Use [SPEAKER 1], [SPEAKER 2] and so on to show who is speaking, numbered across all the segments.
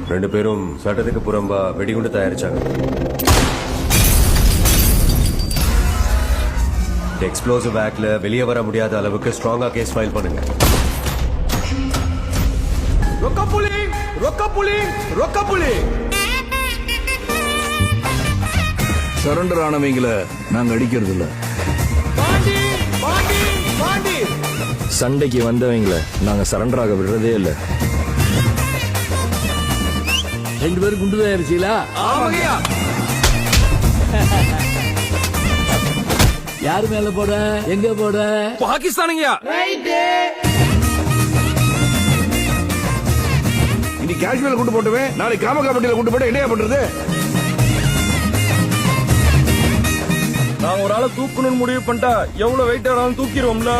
[SPEAKER 1] ரெண்டு பேரும் சட்டத்துக்கு புறம்பா வெடிகுண்டு தயாரிச்சாங்க. எக்ஸ்ப்ளோசிவ் ஆக்ட்ல வெளியே வர முடியாத அளவுக்கு ஸ்ட்ராங்கா கேஸ் ஃபைல் பண்ணுங்க.
[SPEAKER 2] சரண்டர் ஆனவங்களை நாங்க அடிக்கிறது இல்ல.
[SPEAKER 3] சண்டைக்கு வந்தவங்களை நாங்க சரண்டர் ஆக விடுறதே இல்ல.
[SPEAKER 4] ரெண்டு பேரும் குண்டு தயாரிச்சீங்களா? யாரு மேல போட, எங்க போட?
[SPEAKER 2] பாகிஸ்தானுங்கயா. இனி காஷ்மீர்ல கொண்டு போட்டுவேன், நாளைக்கு காமகாப்பட்டியில கொண்டு போட்டு என்னையா பண்றது?
[SPEAKER 3] நாங்க ஒரு ஆளை தூக்கணும்னு முடிவு பண்ணிட்டா எவ்வளவு வெயிட் ஆனாலும் தூக்கிடுவோம்ல.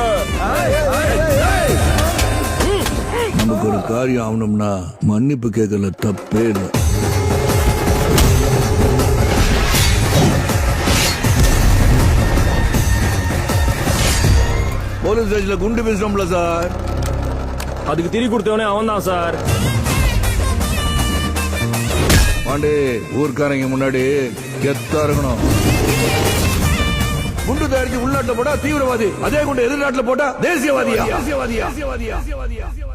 [SPEAKER 2] நமக்கு ஒரு காரியம் ஆகணும்னா மன்னிப்பு கேட்கல தப்பே இல்லை. போலீஸ் ஸ்டேஷன்ல குண்டு வீசுறோம்ல சார்,
[SPEAKER 3] அதுக்கு திரி கொடுத்தவனே அவன் தான் சார்.
[SPEAKER 2] பாண்டே ஊர்க்காரங்க முன்னாடி கெத்தா இருக்கணும். குண்டு தயாரிச்சு உள்நாட்டுல போட்டா தீவிரவாதி, அதே குண்டு எதிர்நாட்டுல போட்டா தேசியவாதியா?